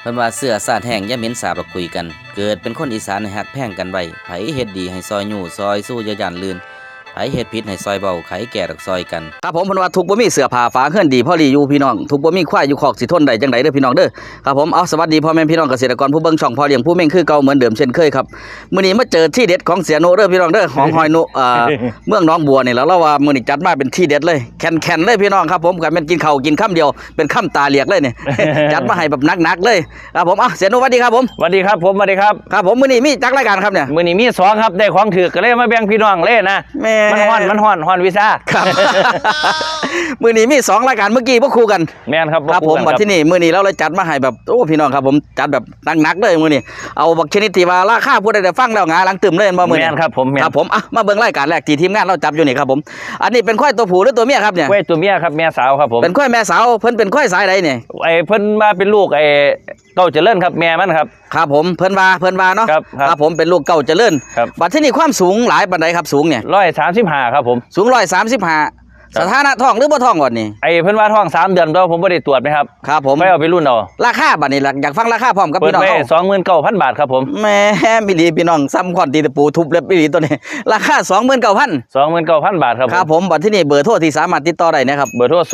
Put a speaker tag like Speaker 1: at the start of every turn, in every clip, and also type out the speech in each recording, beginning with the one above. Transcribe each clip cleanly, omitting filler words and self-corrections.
Speaker 1: พิ่นว่าเสื้อสาดแห้งอย่าเหม็นสาบเราคุยกันเกิดเป็นคนอีสานให้ฮักแพงกันไว้ไผเฮ็ดดีให้ซอยยู่ซอยสู้อย่าย่านลื่นไผเฮ็ดผิดให้ซอยเบาไขแก่ดอกซอยกันครับผมเพิ่นว่าทุกบ่มีเสื้อผ้าฝาเฮือนดีพอดีอยู่พี่น้องทุกบ่มีควายอยู่คอกสิทนได้จังได๋เด้อพี่น้องเด้อครับผมเอาสวัสดีพ่อแม่พี่น้องเกษตรกรผู้เบิ่งช่องพ่อเลี้ยงผู้เม่งคือเก่าเหมือนเดิมเช่นเคยครับมื้อนี้มาเจอที่เด็ดของเสียโนเด้อพี่น้องเด้อของหอยนุเมืองหนองบัวนี่แล้วเราว่ามื้อนี้จัดมาเป็นที่เด็ดเลยแข็งๆเลยพี่น้องครับผมก็แม่นกินข้าวกินค่ำเดียวเป็นค่ำตาเหลียกเลยนี่ จัดมาให้แบบหนักๆเลยครับผมเสียโนสวัสดีครับผม
Speaker 2: สวัสดีครับผมสวัสดีครับ
Speaker 1: ครับผมมื้อนี้มีจักรายการครับเนี่ย
Speaker 2: มื้อนี้มี2ครับได้ของถือก็เลยมาแบ่งพี่น้องเล่นะมันฮ้อนวีซ่า
Speaker 1: ครับ มื้อนี้มี2รายการเมื่อกี้บ่คู่กัน
Speaker 2: แม่นครับ
Speaker 1: ครับผมบัดที่นี่มื้อนี้เราเลยจัดมาให้แบบโอ้พี่น้องครับผมจัดแบบหนักๆเลยมื้อนี้เอาบักชนิดที่ว่าราคาผู้ใดได้ฟังแล้วงาหลังตึมเลยบ่มื้อนี้
Speaker 2: แม่นครับผม
Speaker 1: ครับผมมาเบิ่งรายการแรกที่ทีมงานเราจับอยู่นี่ครับผมอันนี้เป็นควายตัวผู้หรือตัวเมียครับเนี่ย
Speaker 2: ควายตัวเมียครับแม่สาวครับผม
Speaker 1: เป็นควายแม่สาวเพิ่นเป็นควายสายใดนี่
Speaker 2: เพิ่นมาเป็นลูกเก้าเจริญครับแม่มันครับ
Speaker 1: ครับผมเพิ่นว่าเนาะครับผมเป็นลูกเก้าเจริญบัดที่นี่ความสูงหลายปานใดครับสูงเนี่ย
Speaker 2: 135ครับผม
Speaker 1: สูง135สถานะท้องหรือบ่ท้องก่อนนี่
Speaker 2: เพิ่นว่าท้อง3เดือนตัวผมบ่ได้ตรวจมั้ยครับ
Speaker 1: ครับผม
Speaker 2: ไม่เอาไปรุ่นเอา
Speaker 1: ราคาบัดนี้อยากฟังราคาพร้อมกับพี่น้องเฮา
Speaker 2: 29,000 บาทครับผม
Speaker 1: แม่มีหลีพี่น้องซ้ำคอนตีตะปูทุบเล็บอีหลีตัวนี้ราคา
Speaker 2: 29,000 บาทครับ
Speaker 1: ครับผมบัดที่นี่เบอร์โทรที่สามารถติดต่อได้นะครับ
Speaker 2: เบอร์โทร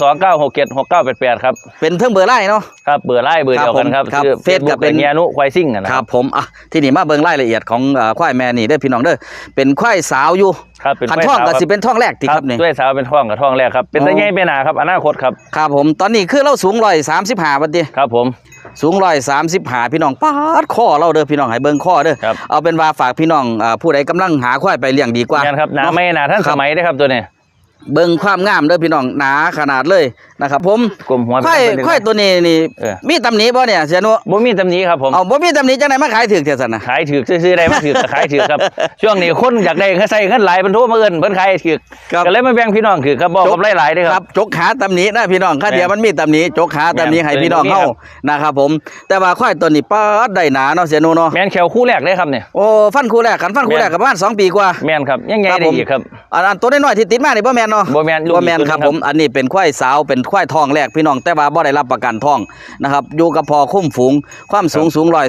Speaker 2: 0929676988ครับ
Speaker 1: เป็นเทิงเบอร์ไลน์เนาะ
Speaker 2: ครับเบอร์ไลน์เบอร์เดียวกันครับ
Speaker 1: คือเฟซก็เป็น
Speaker 2: เนียนุควายซิ่ง
Speaker 1: นะครับผมที่นี่มาเบิ่งรายละเอียดของควายแม่นี่เด้อพี่น้องเด้อเป็นควายสาวอยู่
Speaker 2: ครับเป็น
Speaker 1: ท้องก็สิเป็นท้องแรกที่ครับนี่
Speaker 2: ด้วยสาวเป็นท้องกับท้องแรกครับเป็นตะไงเป็นหนาครับอนาคตครับ
Speaker 1: ครับผมตอนนี้คือเราสูง135บัดนี้
Speaker 2: ครับผม
Speaker 1: สูง135พี่น้องปาดข้อเราเด้อพี่น้องให้เบิ่งข้อเด้อเอาเป็นว่าฝากพี่น้องผู้ใดกำลังหาควายไปเลี้ยงดีกว่า
Speaker 2: ครับหนาไม่หนาท่านสมัยได้ครับตัวนี้
Speaker 1: เบิ่งความงามเด้อพี่น้องหนาขนาดเลยนะครับผมควายตัวนี้นี่มีตำหนิบ่เนี่ยเสียนุ
Speaker 2: บ่มีตำหนิครับผม
Speaker 1: บ่มีตำหนิจังได๋มาขายถูกเท่าซั่นน่ะ
Speaker 2: ขายถูกซื้อๆได้มาถูกขายถูกครับช่วงนี้คนอยากได้ใส่เงินหลายเพิ่นโทรมาเอิ้นเพิ่นขายถูกก็เลยมาแบ่งพี่น้องคือครับบอกกับหลายๆเด้อครับ
Speaker 1: จกหาตำหนินะพี่น้องค่าเดียวมันมีตำหนิจกหาตำหนิให้พี่น้องเฮานะครับผมแต่ว่าควายตัวนี้ปาดได้หนาเนาะเสียนุเนาะ
Speaker 2: แม่นแขวคู่แรกเลยครับเนี่ย
Speaker 1: โอ้ฟันคู่แรกกันฟันคู่แรกก็ประมาณ2ปีกว่า
Speaker 2: แม่นครับยังไงได้อีกครับ
Speaker 1: อันตัวน้อยๆที่ติดมานี่บ่แม่นเนาะ
Speaker 2: บ่แม่น
Speaker 1: ครับผมอันนี้เป็นควายสาวเป็นควายทองแรกพี่น้องแต่ว่าบ่ได้รับประกันทองนะครับอยู่กับพอคุ้มฝูงความสูง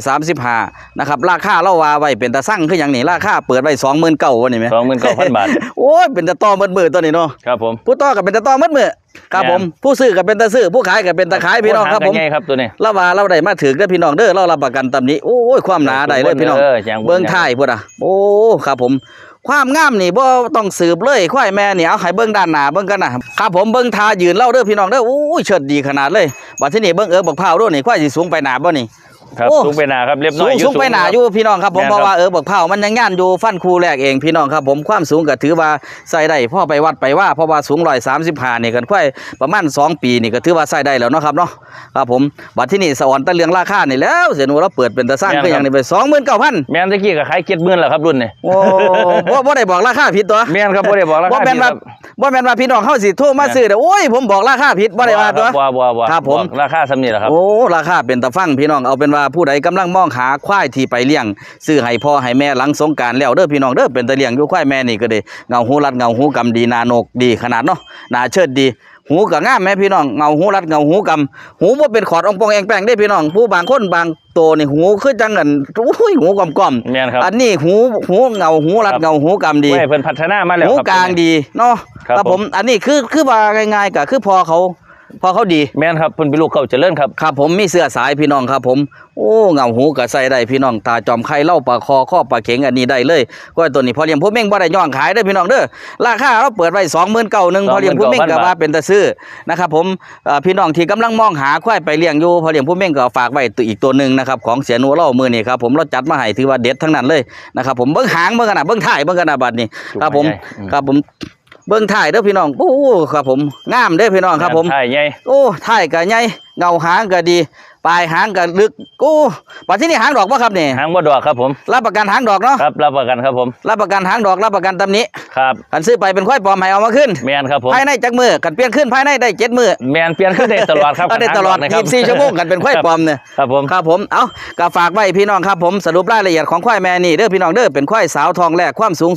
Speaker 1: 135นะครับราคาเราว่าไว้เป็นตาสั่งคือหยังนี่ราคาเปิดไว้29,000วันนี้มั้ย
Speaker 2: 29,000 บาท
Speaker 1: โอ้ยเป็นตาต่อมืดๆตัวนี้เนาะ
Speaker 2: ครับผม
Speaker 1: ผู้ต่อก็เป็นตาต่อมืดๆครับผมผู้ซื้อก็เป็นตาซื้อผู้ขายก็เป็นตาขายพี่น้องครับผม
Speaker 2: ไงครับตัวนี้
Speaker 1: เราว่าเราได้มาถึงเด้อพี่น้องเด้อเรารับประกันตำนี้โอ้ยความหนาได้เลยพี่น้องเบิ่งท้ายพุ่นโอ้ครับผมความงามนี่บ่ต้องสืบเลยควายแม่นี่เอาให้เบิ่งด้านหน้าเบิ่งกันนะครับผมเบิ่งท่ายืนเล่าเด้อพี่น้องเด้อโอ้ยเชิดดีขนาดเลยบัดทีนี้เบิ่งบักพร้าวด้วยนี่ควายสิสูงไปหน้าบ่นี่
Speaker 2: ครับสูงไปหน้าครับเรียบน้อย
Speaker 1: สูงไปหน้าอยู่พี่น้องครับผมเพราะว่าบักพร้าวมันยังย่านอยู่ฟันคู่แรกเองพี่น้องครับผมความสูงก็ถือว่าใส่ได้พอไปวัดไปว่าเพราะว่าสูง135นี่กันควายประมาณ2ปีนี่ก็ถือว่าใส่ได้แล้วเนาะครับเนาะครับผมบัดทีนี้สะอ่อนตะเรื่องราคานี่แล้วเสียหนูเราเปิดเป็นตะสร้างคืออย่างนี้ไป29,000
Speaker 2: แม่นตะกี้ก็ขาย70,000แล้วครับรุ่นนี่
Speaker 1: โอ้บ่ได้บอกราคาผิดตัว
Speaker 2: แม่นครับบ่ได้บอกราคา
Speaker 1: บ่แม่นว่าพี่น้องเฮาสิโทรมาซื้อเด้อโอ้ยผมบอกราคาผิดบ่ได้ว่าตัว
Speaker 2: บ่
Speaker 1: ครับผม
Speaker 2: ราคาส่ำนี้แหละครับ
Speaker 1: โอ้ราคาเป็นตะฟังพี่น้องเอาเป็นว่าผู้ใดกำลังมองหาควายที่ไปเลี้ยงซื้อให้พ่อให้แม่หลังสงกรานต์แล้วเด้อพี่น้องเด้อเป็นตะเลี้ยงอยู่ควายแม่นี่ก็ได้เงาหูรัดเงาหูกำดีนาโนกดีขนาดเนาะหน้าเชิดดีหูก็งามแม่พี่น้องเงาหูรัดเงาหูกำหูบ่เป็นขอดองปองแองแป้งได้พี่น้องผู้บางคนบางโตนี่หูคือจังกันอุ้ยหูก่อม
Speaker 2: ๆอั
Speaker 1: นนี้หูเงาหูรัดเงาหูกำดี
Speaker 2: เพิ่นพัฒนามาแล้ว
Speaker 1: หูกลางดีเนาะครับผมอันนี้คือว่าง่ายๆก็คือพอเขาดี
Speaker 2: แม่นครับเพิ่นเป็นลูกเก่าเจริญครับ
Speaker 1: ครับผมมีเสื้อสายพี่น้องครับผมโอ้เงาหูก็ใส่ได้พี่น้องตาจอมไข่เล่าปลาคอข้อปลาเข็งอันนี้ได้เลยก็ตัวนี้พอเลี้ยงผู้เม่งบ่ได้ย่องขายได้พี่น้องเด้อราคาเราเปิดไว้29,000พอเลี้ยงผู้เม่งก็ว่าเป็นตะซื้อนะครับผมพี่น้องที่กำลังมองหาควายไปเลี้ยงอยู่พอเลี้ยงผู้เม่งก็ฝากไว้ตัวอีกตัวนึงนะครับของเสียหนูเล่ามื้อนี้ครับผมเราจัดมาให้ถือว่าเด็ดทั้งนั้นเลยนะครับผมเบิ่งหางเบิ่งขนาดเบิ่งท้ายเบิ่งขนาดบัดนี้ครับผมเบิ่งถ่ายเด้อพี่น้องโอ้ครับผมงามเด้อพี่น้องครับผม
Speaker 2: ถ่ายใหญ่
Speaker 1: โอ้ถ่ายก็ใหญ่เงาหางก็ดีปลายหางก็ลึกโอ้บัดที่นี่หางดอกบ่ครับนี่
Speaker 2: หางบ่ดอกครับผม
Speaker 1: รับประกันหางดอกเนาะ
Speaker 2: ครับรับประกันครับผม
Speaker 1: รับประกันหางดอกรับประกันตำหนิ
Speaker 2: ครับ
Speaker 1: คันซื้อไปเป็นควายปลอมให้เอามาขึ้น
Speaker 2: แม่นครับผม
Speaker 1: ภายในจักมื้อกันเปลี่ยนขึ้นภายในได้7มื้อ
Speaker 2: แม่นเปลี่ยนขึ้นได้ตลอดครับ
Speaker 1: ได้ตลอด24ชั่วโมงกันเป็นควายปลอมเนี่ยครับผมเอาก็ฝากไว้พี่น้องครับผมสรุปรายละเอียดของควายแม่นี่เด้อพี่น้องเด้อเป็นควายสาวทองแรกความสูง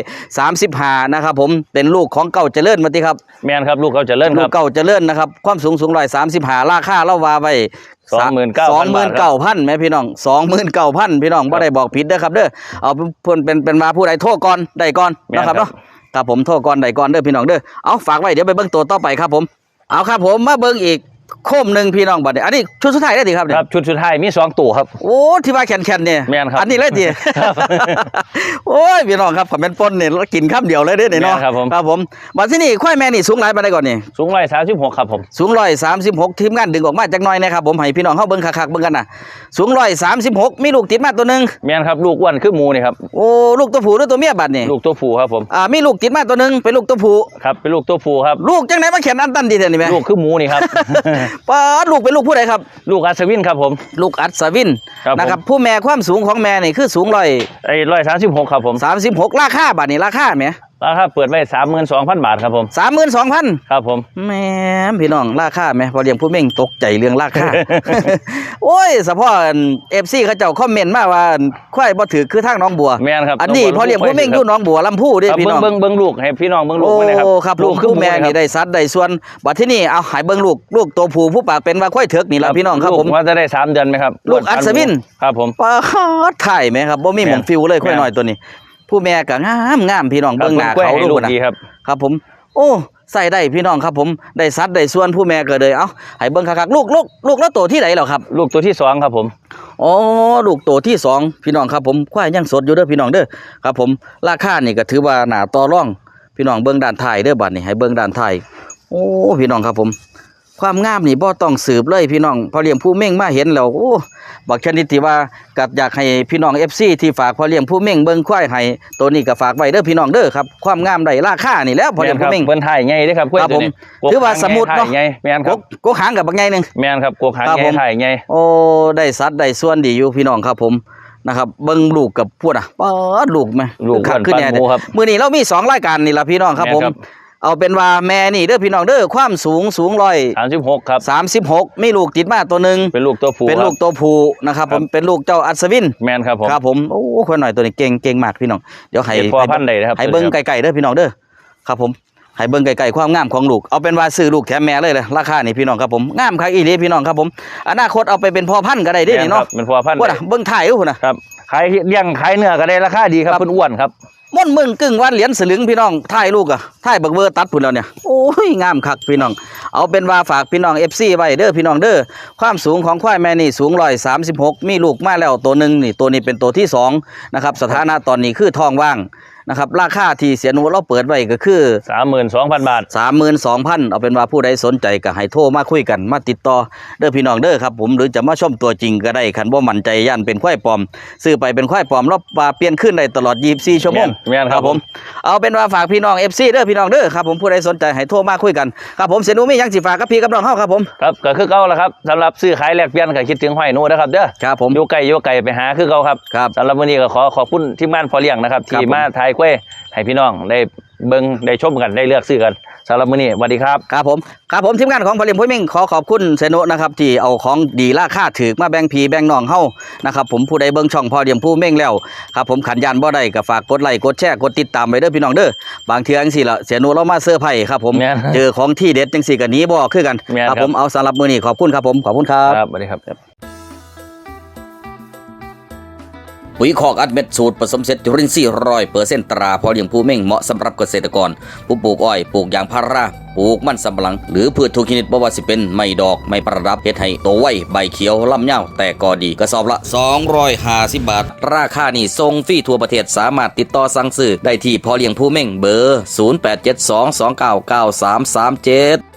Speaker 1: 135นะครับผมเป็นลูกของเก่าเจริญมาติครับ
Speaker 2: แม่นครับลูกเก่าเจริญครับ
Speaker 1: ลูกเก่าเจริญนะครับความสูง135ราคาเราว่าไว้ 29,000แม่พี่น้อง29,000พี่น้องบ่ได้บอกผิดเด้อครับเด้อเอาเพิ่นเป็นมาผู้ใดโทรก่อนได้ก่อนนะครับเนาะครับผมโทรก่อนได้ก่อนเด้อพี่น้องเด้อเอาฝากไว้เดี๋ยวไปเบิ่งตัวต่อไปครับผมเอาครับผมมาเบิ่งอีกโคมหนึ่งพี่น้องบัดนี้อันนี้ชุดสุดท้ายได้ดิครับเนี่ย
Speaker 2: ครับชุดสุดท้ายมี2ตัวครับ
Speaker 1: โอ้ที่ว่าแข็งๆเนี่ย
Speaker 2: แม่นครับ
Speaker 1: อันนี้เลยดิโอ้ยพี่น้องครับผมเป็นปนเนี่ยกินคำเดียวเลยเด้อเนาะครับผมบัดที่นี่ควายแม่นี่สูงหลายปานใดก่อนนี่
Speaker 2: สูง136ครับผม
Speaker 1: สูง136ทีมงานดึงออกมาจักหน่อยนะครับผมให้พี่น้องเฮาเบิ่งคักๆเบิ่งกันน่ะสูง136มีลูกติดมาตัวนึง
Speaker 2: แม่นครับลูกอ้วนคือหมูนี่ครับ
Speaker 1: โอ้ลูกตัวผู้หรือตัวเมียบัดนี่
Speaker 2: ลูกตัวผู้ครับผม
Speaker 1: มีลูกติดมาตัวนึงเป็นลูกตัวผู้
Speaker 2: ครับเป็นลูกตัวผู้ครับ
Speaker 1: ลูกจังไหนมาแขนอันตันดีแท้นี่แม่
Speaker 2: ลูกคือหมูนี่ครับ
Speaker 1: ป้าลูกเป็นลูกผู้ใดครับ
Speaker 2: ลูกอัศวินครับผม
Speaker 1: ลูกอัศวินนะครับผู้แม่ความสูงของแม่นี่คือสูง
Speaker 2: 136ครับผม
Speaker 1: 36ราคาบัดนี้ราคาแหม
Speaker 2: ราคาเปิดไว้ 32,000 บาทครับผม
Speaker 1: 32,000
Speaker 2: ครับผม
Speaker 1: แหมพี่น้องราคาแหมพอเลี้ยงผู้เม่งตกใจเรื่องราคา โอ้ยเฉพาะ FC เขาเจ้าคอมเมนต์มาว่าควายบ่ถือคือทางน้องบัว
Speaker 2: แม่นครับ
Speaker 1: อันนี้พอเลี้ยงผู้เม่งอยู่น้องบัวลำพูเด้พี่น้อง
Speaker 2: เบิ่งลูกให้พี่น้องเบิ่งลูกเลยครับ
Speaker 1: โอ้ครับลูกคือแม่นี่ได้สัดได้ส่วนบัดที่นี่เอาให้เบิ่งลูกตัวผู้ผู้ปากเป็นว่าควายเถิกนี่ล่ะพี่น้องครับผม
Speaker 2: ว่าจะได้3เดือนมั้ยครับ
Speaker 1: ลูกอัศวิน
Speaker 2: ครับผม
Speaker 1: ปาดถ่ายแม่ครับบ่มีหม่องฟิวเลยควายน้อยตัวนี้ผู้แม่ก็งามพี่น้องเบิ่งหน้าเขาดูนะครับผมโอ้ใส่ได้พี่น้องครับผมได้ซัดได้ส่วนผู้แม่ก็เลยเอ้าให้เบิ่งคักๆลูกแล้วตัวที่ไหนเหรอครับ
Speaker 2: ลูกตัวที่2ครับผม
Speaker 1: อ๋อลูกตัวที่2พี่น้องครับผมควายยังสดอยู่เด้อพี่น้องเด้อครับผมราคานี่ก็ถือว่าหน้าต่อรองพี่น้องเบิ่งด้านท้ายเด้อบัดนี้ให้เบิ่งด้านท้ายโอ้พี่น้องครับผมความงามนี่บ่ต้องสืบเลยพี่น้องพอเลี้ยงผู้เม่งมาเห็นแล้วโอ้บักชนิดที่ว่าก็อยากให้พี่น้อง FC ที่ฝากพอเลี้ยงผู้เม่งเบิ่งควายให้ตัวนี้ก็ฝากไว้เด้อพี่น้องเด้อครับความงามได้ราคานี่แล้วพอเลี้ยงผู้เม่ง
Speaker 2: เบิ่นถ่ายใหญ่เด้อครับ
Speaker 1: ครับผมถือว่าสมุดเนาะ
Speaker 2: แม่นครับ
Speaker 1: กกหางกับบักใหญ่นึง
Speaker 2: แม่นครับกกหางใหญ่ถ่ายใหญ่
Speaker 1: โอ้ได้สัดได้ส่วนดีอยู่พี่น้องครับผมนะครับเบิ่งลูกกับพวดป๊อดลูกแม่
Speaker 2: ลูกขึ้นแน่
Speaker 1: มื้อนี้เรามี2รายการนี่ล่ะพี่น้องครับผมเอาเป็นว่าแม่นี่เด้อพี่น้องเด้อความสูง
Speaker 2: 36ครับ
Speaker 1: 36มีลูกติดมาตัวนึง
Speaker 2: เป็นลูกตัว
Speaker 1: ผู้นะครับผมเป็นลูกเจ้าอัศวิน
Speaker 2: แม่นครับผม
Speaker 1: ครับผมโอ้คนหน่อยตัวนี้เก่งมากพี่น้องเดี๋ยวให้
Speaker 2: พ่อพันธุ์ได้ครับ
Speaker 1: ให้เบิ่งไกลๆเด้อพี่น้องเด้อครับผมให้เบิ่งไกลๆความงามของลูกเอาเป็นว่าซื้อลูกแถมแม่เลยราคานี่พี่น้องครับผมงามคักอีหลีพี่น้องครับผมอนาคตเอาไปเป็นพ่อพันธุ์ก็ได้เด้นี่เนาะ
Speaker 2: เป็นพ่อพันธุ์
Speaker 1: ว่าเบิ่งถ่ายพุ่นน่ะ
Speaker 2: ครับขายเลี้ยงขายเนื้อก็ได้ราคาดีครับเพิ่นอ้วนครับ
Speaker 1: ม่อนมึงกึ่งวันเหรียญสลึงพี่น้องถ่ายลูกอ่ะถ่ายบักเบอร์ตัดพุ่นแล้วเนี่ยโอ้ยงามคักพี่น้องเอาเป็นว่าฝากพี่น้อง FC ไว้เด้อพี่น้องเด้อความสูงของควายแม่นี่สูง136มีลูกมาแล้วตัวนึงนี่ตัวนี้เป็นตัวที่2นะครับสถานะตอนนี้คือท้องว่างนะครับราคาที่เสียหนูเราเปิดไว้ก็คือ
Speaker 2: 32,000 บาท
Speaker 1: 32,000เอาเป็นว่าผู้ใดสนใจก็ให้โทรมาคุยกันมาติดต่อเด้อพี่น้องเด้อครับผมหรือจะมาชมตัวจริงก็ได้คันบ่มั่นใจย่านเป็นควายปลอมซื้อไปเป็นควายปลอมแล้วเปลี่ยนขึ้นได้ตลอด24ชั่วโมง
Speaker 2: ครับผม
Speaker 1: เอาเป็นว่าฝากพี่น้อง FC เด้อพี่น้องเด้อครับผมผู้ใดสนใจให้โทรมาคุยกันครับผมเสียหนูมีหยังสิฝากกับพี่กับน้องเฮาครับผม
Speaker 2: ครับก็คือเก่าล่ะครับสำหรับซื้อขายแลกเปลี่ยนก็คิดถึงห้อยหนูนะครับเด้อ
Speaker 1: ครับผม
Speaker 2: อยู่ไกลไปหาคือเก่าครับสำหรับวันนี้ก็ขอบคุณทีมงานพอเลี้ยงนะครับที่มาถ่ายกล้วยให้พี่น้องได้เบิ่งได้ชมกันได้เลือกซื้อกันสำหรับมื้อนี้สวัสดีครับ
Speaker 1: ครับผมทีมงานของพอเลี้ยงผู้เม่งขอขอบคุณเสนุนะครับที่เอาของดีราคาถูกมาแบ่งพี่แบ่งน้องเฮานะครับผมผู้ใดเบิ่งช่องพอเลี้ยงผู้เม่งแล้วครับผมขันยานบ่ได้ก็ฝากกดไลค์กดแชร์กดติดตามไว้เด้อพี่น้องเด้อบางเทื่อจังซี่ล่ะเสนุเรามาเซอร์ไพรส์ครับผมเจอของที่เด็ดจังซี่ก็หนีบ่คือกันครับผมเอาสำหรับมื้อนี้ขอบคุณครับผมขอบคุณครับ
Speaker 2: ครับสวัสดีครับ
Speaker 1: ปุ๋ยคอกอัดเม็ดสูตรผสมเสร็จจุลินทรีย์100%ตราพอเลี้ยงผู้เม่งเหมาะสำหรับเกษตรกรผู้ปลูกอ้อยปลูกยางพาราปลูกมันสำปะหลังหรือพืชทุกชนิดบ่ว่าสิเป็นไม้ดอกไม้ประดับเฮ็ดให้โตไวใบเขียวลำยาวแต่ก็ดีกระสอบละ250 บาทราคานี่ส่งฟรีทั่วประเทศสามารถติดต่อสั่งซื้อได้ที่พอเลี้ยงผู้เม่งเบอร์0872299337